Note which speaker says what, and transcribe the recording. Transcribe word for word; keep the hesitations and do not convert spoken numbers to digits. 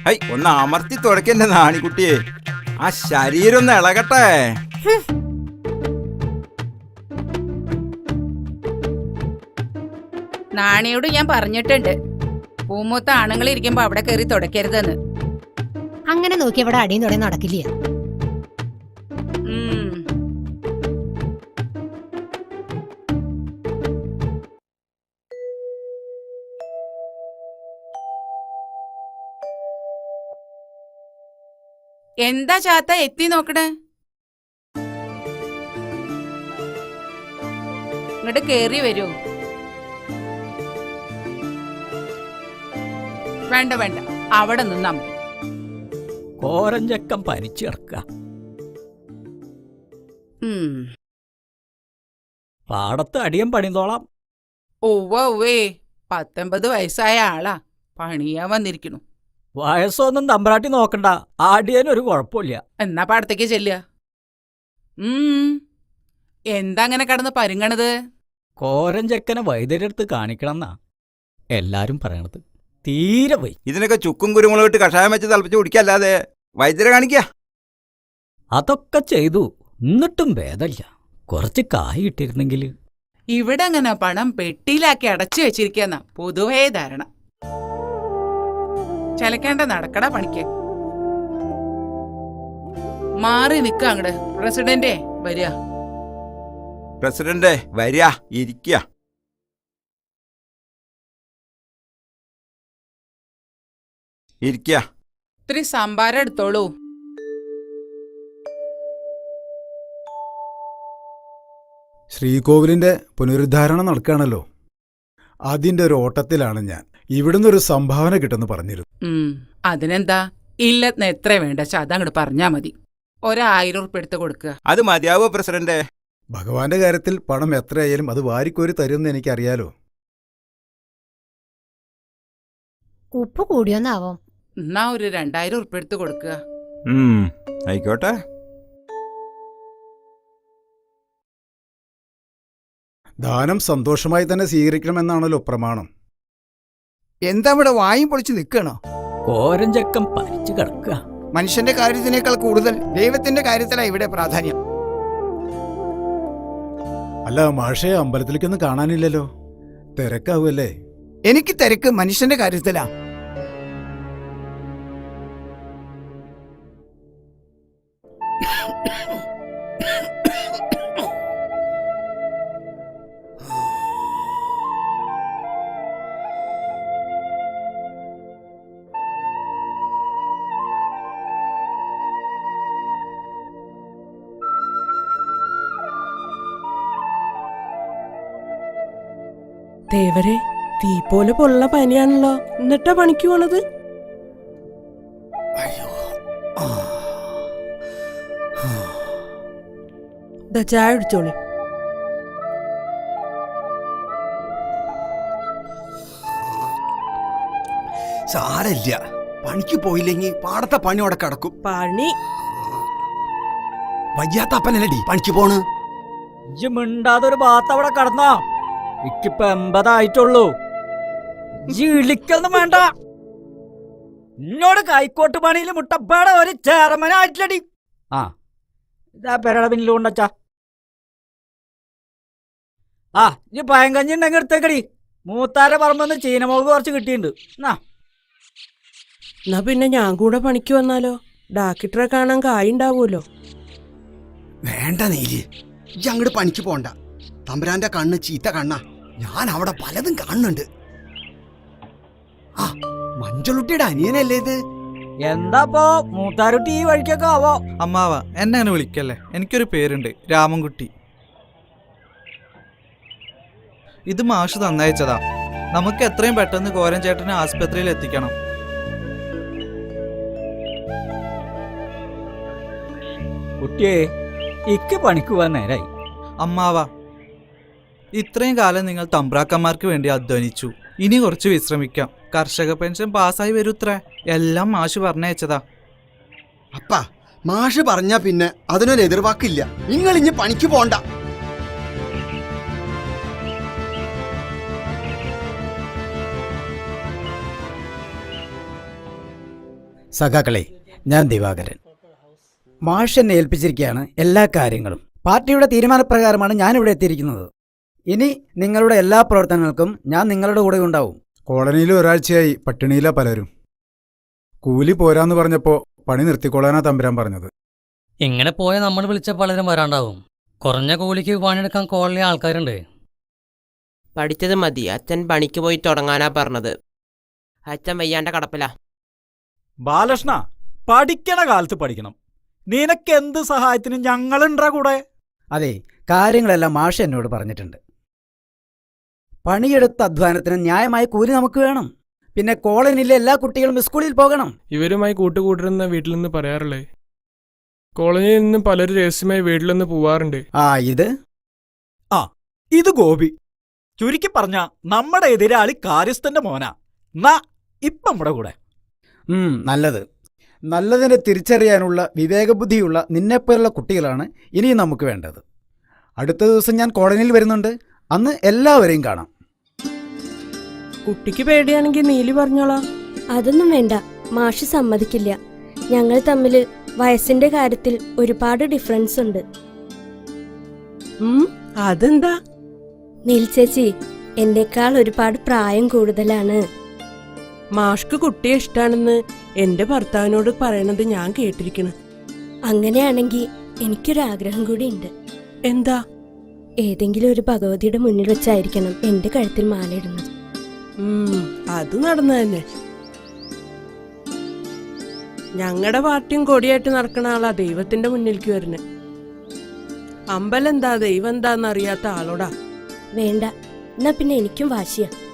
Speaker 1: High ഒന്ന് അമർത്തി തുടക്കല്ലേ നാണിക്കുട്ടിയെ, ആ ശരീരം ഒന്ന് ഇളകട്ടെ.
Speaker 2: നാണിയോട് ഞാൻ പറഞ്ഞിട്ടുണ്ട്, പൂമൂത്ത ആണുങ്ങൾ ഇരിക്കുമ്പോ അവിടെ കയറി തുടക്കരുതെന്ന്.
Speaker 3: അങ്ങനെ നോക്കി ഇവിടെ അടിയും തുടങ്ങി നടക്കില്ല.
Speaker 2: എന്താ ചാത്ത എത്തി നോക്കണേ? ഇങ്ങോട്ട് കേറി വരൂ. വേണ്ട വേണ്ട, അവിടെ നിന്നാ മതി.
Speaker 4: കോരഞ്ചക്കം പനിച്ചിറക്ക. പാടത്ത് അടിയം പണിതോളാം.
Speaker 2: ഒവ്വ ഒവ്വേ, പത്തൊമ്പത് വയസ്സായ ആളാ, പണിയാൻ വന്നിരിക്കണു.
Speaker 4: വയസ്സൊന്നും തമ്പ്രാട്ടി നോക്കണ്ട, ആടിയനൊരു കുഴപ്പമില്ല.
Speaker 2: എന്നാ പാടത്തേക്ക് ചെല്ലുക. ഉം എന്താ അങ്ങനെ കടന്ന് പരുങ്ങണത്?
Speaker 4: കോരഞ്ചക്കനെ വൈദ്യരെടുത്ത് കാണിക്കണമെന്നാ എല്ലാരും പറയണത്. തീരെ പോയി.
Speaker 1: ഇതിനൊക്കെ ചുക്കും കുരുമുളക് ഇട്ട് കഷായം വെച്ച് തിളപ്പിച്ച് കുടിക്കല്ലാതെ വൈദ്യരെ കാണിക്ക.
Speaker 4: അതൊക്കെ ചെയ്തു, എന്നിട്ടും ഭേദമില്ല. കുറച്ച് കായ് ഇട്ടിരുന്നെങ്കിൽ.
Speaker 2: ഇവിടെ അങ്ങനെ പണം പെട്ടിയിലാക്കി അടച്ചു വെച്ചിരിക്കുന്ന പൊതുവേ ധാരണ. ചലക്കേണ്ട നടക്കട പണിക്ക്. മാറി നിക്ക അങ്ങട്. പ്രസിഡന്റേ വരിക.
Speaker 1: പ്രസിഡന്റ് വരിക, ഇരിക്കുക. ഇരിക്കുക.
Speaker 2: ഇത്തിരി സംഭാരം എടുത്തോളൂ.
Speaker 5: ശ്രീകോവിലിന്റെ പുനരുദ്ധാരണം നടക്കുകയാണല്ലോ, അതിന്റെ ഒരു ഓട്ടത്തിലാണ് ഞാൻ. ഇവിടുന്ന് ഒരു സംഭാവന കിട്ടുമെന്ന് പറഞ്ഞിരുന്നു.
Speaker 2: അതിനെന്താ, ഇല്ലെന്ന് എത്ര വേണ്ട അതങ്ങോട്ട് പറഞ്ഞാ മതി. ഒരായിരം ഉറുപ്പ് എടുത്ത് കൊടുക്കുക.
Speaker 1: അത് മതിയാവോ പ്രസിഡന്റ്?
Speaker 5: ഭഗവാന്റെ കാര്യത്തിൽ പണം എത്രയായാലും അത് വാരിക്കോരി തരുമെന്ന് എനിക്കറിയാലോ.
Speaker 3: ഉപ്പ് കൂടിയൊന്നാവോ?
Speaker 2: എന്നാ ഒരു രണ്ടായിരം ഉറുപ്പ് എടുത്ത് കൊടുക്കുക.
Speaker 1: ആയിക്കോട്ടെ.
Speaker 5: ദാനം സന്തോഷമായി തന്നെ സ്വീകരിക്കണമെന്നാണല്ലോ പ്രമാണം.
Speaker 6: എന്താ ഇവിടെ വായും പൊളിച്ച് നിൽക്കണോ?
Speaker 4: കോരഞ്ചക്കം പനിച്ചു കിടക്കുക.
Speaker 6: മനുഷ്യന്റെ കാര്യത്തിനേക്കാൾ കൂടുതൽ ദൈവത്തിന്റെ കാര്യത്തിലാണ് ഇവിടെ പ്രാധാന്യം.
Speaker 5: അല്ല മാഷയെ അമ്പലത്തിലേക്കൊന്നും കാണാനില്ലല്ലോ, തിരക്കാവല്ലേ?
Speaker 6: എനിക്ക് തിരക്ക് മനുഷ്യന്റെ കാര്യത്തിലാ.
Speaker 7: ദേവരെ, തീ പോലെ പൊള്ള പനിയാണല്ലോ, എന്നിട്ടാ പണിക്ക് പോണത്? ചായ അടിച്ചോളി.
Speaker 6: സാരല്ല, പണിക്ക് പോയില്ലെങ്കിൽ പാടത്തെ പണി അവിടെ കിടക്കും.
Speaker 7: പണി
Speaker 6: വയ്യാത്ത അപ്പനല്ലടി പണിക്ക് പോണ്.
Speaker 4: ഇജ്ജ് മിണ്ടാതൊരു ഭാഗത്ത് അവിടെ കടന്നോ. ഇക്കിപ്പ എൺപതായിട്ടുള്ളൂ. ഇളിക്കൊന്നും വേണ്ട. എന്നോട് കൈക്കോട്ട് പണിയിൽ മുട്ടപ്പാടെ ഒരു ചെയർമാനായിട്ടില്ലടി. ആ ഇതാ പെരട പിന്നിൽ കൊണ്ടച്ചാ. ആ ഇനി പയങ്കഞ്ഞി ഉണ്ടെങ്കിൽ എടുത്തേക്കടി. മൂത്താരെ പറമ്പെന്ന് ചീനമുളക് കുറച്ച് കിട്ടിയിട്ടുണ്ട്.
Speaker 7: എന്നാ പിന്നെ ഞാൻ കൂടെ പണിക്ക് വന്നാലോ? ഡാക്ടറെ കാണാൻ കായുണ്ടാവൂലോ.
Speaker 6: വേണ്ട നീല്, ഇജ്ജ് അങ്ങോട്ട് പണിക്ക് പോണ്ട. തമ്പുരാന്റെ കണ്ണ് ചീത്ത കണ്ണാ. ഞാൻ അവിടെ പലതും കാണുന്നുണ്ട്. ആ മഞ്ചളുട്ടിയുടെ അനിയനല്ലേ ഇത്?
Speaker 4: എന്താപ്പോ മൂത്താരുട്ടി ഈ വഴിക്കൊക്കെ ആവോ?
Speaker 8: അമ്മാവ എന്നെ അങ്ങനെ വിളിക്കല്ലേ, എനിക്കൊരു പേരുണ്ട്, രാമൻകുട്ടി. ഇത് മാഷ് തന്നയച്ചതാ. നമുക്ക് എത്രയും പെട്ടെന്ന് കോരൻ ചേട്ടനെ ആസ്പത്രിയിൽ എത്തിക്കണം.
Speaker 4: കുട്ടിയെ, ഇക്ക് പണിക്ക് പോവാൻ നേരായി.
Speaker 8: അമ്മാവ, ഇത്രയും കാലം നിങ്ങൾ തമ്പ്രാക്കന്മാർക്ക് വേണ്ടി അധ്വാനിച്ചു. ഇനി കുറച്ച് വിശ്രമിക്കാം. കർഷക പെൻഷൻ പാസ്സായി വരൂത്രേ. എല്ലാം മാഷ് പറഞ്ഞയച്ചതാ.
Speaker 6: അപ്പ മാഷ് പറഞ്ഞാ പിന്നെ അതിനൊരു എതിർവാക്കില്ല. നിങ്ങൾ ഇനി പണിക്ക് പോണ്ട.
Speaker 4: സഖാക്കളെ, ഞാൻ ദിവാകരൻ. മാഷ് എന്നെ ഏൽപ്പിച്ചിരിക്കുകയാണ് എല്ലാ കാര്യങ്ങളും. പാർട്ടിയുടെ തീരുമാനപ്രകാരമാണ് ഞാനിവിടെ എത്തിയിരിക്കുന്നത്. ഇനി നിങ്ങളുടെ എല്ലാ പ്രവർത്തനങ്ങൾക്കും ഞാൻ നിങ്ങളുടെ കൂടെ ഉണ്ടാവും.
Speaker 5: കോളനിയിൽ ഒരാഴ്ചയായി പട്ടിണിയിലാ പലരും. കൂലി പോരാന്ന് പറഞ്ഞപ്പോ പണി നിർത്തിക്കൊള്ളാനാ തമ്പുരാൻ പറഞ്ഞത്.
Speaker 9: ഇങ്ങനെ പോയാൽ നമ്മൾ വിളിച്ച പലരും വരാണ്ടാവും. കുറഞ്ഞ കൂലിക്ക് പണിയെടുക്കാൻ കോളനി ആൾക്കാരുണ്ട്.
Speaker 10: പഠിച്ചത് മതി, അച്ഛൻ പണിക്ക് പോയി തുടങ്ങാനാ പറഞ്ഞത്. അച്ഛൻ വയ്യാണ്ട കടപ്പില.
Speaker 11: ബാലകൃഷ്ണ, പഠിക്കണ കാലത്ത് പഠിക്കണം. നിനക്ക് എന്ത് സഹായത്തിനും ഞങ്ങളുണ്ടാ കൂടെ.
Speaker 4: അതെ, കാര്യങ്ങളെല്ലാം മാഷ് എന്നോട് പറഞ്ഞിട്ടുണ്ട്. പണിയെടുത്ത അധ്വാനത്തിന് ന്യായമായ കൂലി നമുക്ക് വേണം. പിന്നെ കോളനിയിലെ എല്ലാ കുട്ടികളും സ്കൂളിൽ പോകണം.
Speaker 12: ഇവരുമായി കൂട്ടുകൂട്ടരുന്ന വീട്ടിൽ നിന്ന് പറയാറില്ലേ? കോളനിയിൽ നിന്ന് പലരും രഹസ്യമായി വീട്ടിൽ നിന്ന് പോവാറുണ്ട്.
Speaker 4: ആ ഇത്
Speaker 11: ആ ഇത് ഗോപി. ചുരുക്കി പറഞ്ഞ നമ്മുടെ എതിരാളി കാര്യസ്ഥന്റെ മോനാ. നാ ഇപ്പം നമ്മുടെ കൂടെ.
Speaker 4: ഉം, നല്ലത്. നല്ലതിനെ തിരിച്ചറിയാനുള്ള വിവേകബുദ്ധിയുള്ള നിന്നെപ്പോലുള്ള കുട്ടികളാണ് ഇനിയും നമുക്ക് വേണ്ടത്. അടുത്ത ദിവസം ഞാൻ കോളനിയിൽ വരുന്നുണ്ട്. അന്ന് എല്ലാവരെയും കാണാം.
Speaker 7: കുട്ടിക്ക് പേടിയാണെങ്കിൽ നീലി പറഞ്ഞോളാം.
Speaker 13: അതൊന്നും വേണ്ട, മാഷ് സമ്മതിക്കില്ല. ഞങ്ങൾ തമ്മിൽ വയസ്സിന്റെ കാര്യത്തിൽ ഒരുപാട് ഡിഫറൻസ് ഉണ്ട്.
Speaker 7: ഉം, അതെന്താ?
Speaker 13: നീൽ ചേച്ചി എന്നേക്കാൾ ഒരുപാട് പ്രായം കൂടുതലാണ്.
Speaker 7: മാഷ്ക്ക് കുട്ടിയെ ഇഷ്ടാണെന്ന് എന്റെ ഭർത്താവിനോട് പറയണത് ഞാൻ കേട്ടിരിക്കണ്.
Speaker 13: അങ്ങനെയാണെങ്കിൽ എനിക്കൊരാഗ്രഹം കൂടി ഉണ്ട്.
Speaker 7: എന്താ?
Speaker 13: ഏതെങ്കിലും ഒരു ഭഗവതിയുടെ മുന്നിൽ വെച്ചായിരിക്കണം എന്റെ കഴുത്തിൽ മാലയിടുന്നത്.
Speaker 7: ഉം, അത് നടന്നു തന്നെ. ഞങ്ങളുടെ പാർട്ടിയും കൊടിയായിട്ട് നടക്കണ ആളാ ദൈവത്തിന്റെ മുന്നിലേക്ക് വരുന്നത്. അമ്പലം എന്താ ദൈവം എന്താന്ന് അറിയാത്ത ആളോടാ.
Speaker 13: വേണ്ട, എന്നാ പിന്നെ എനിക്കും വാശിയാ.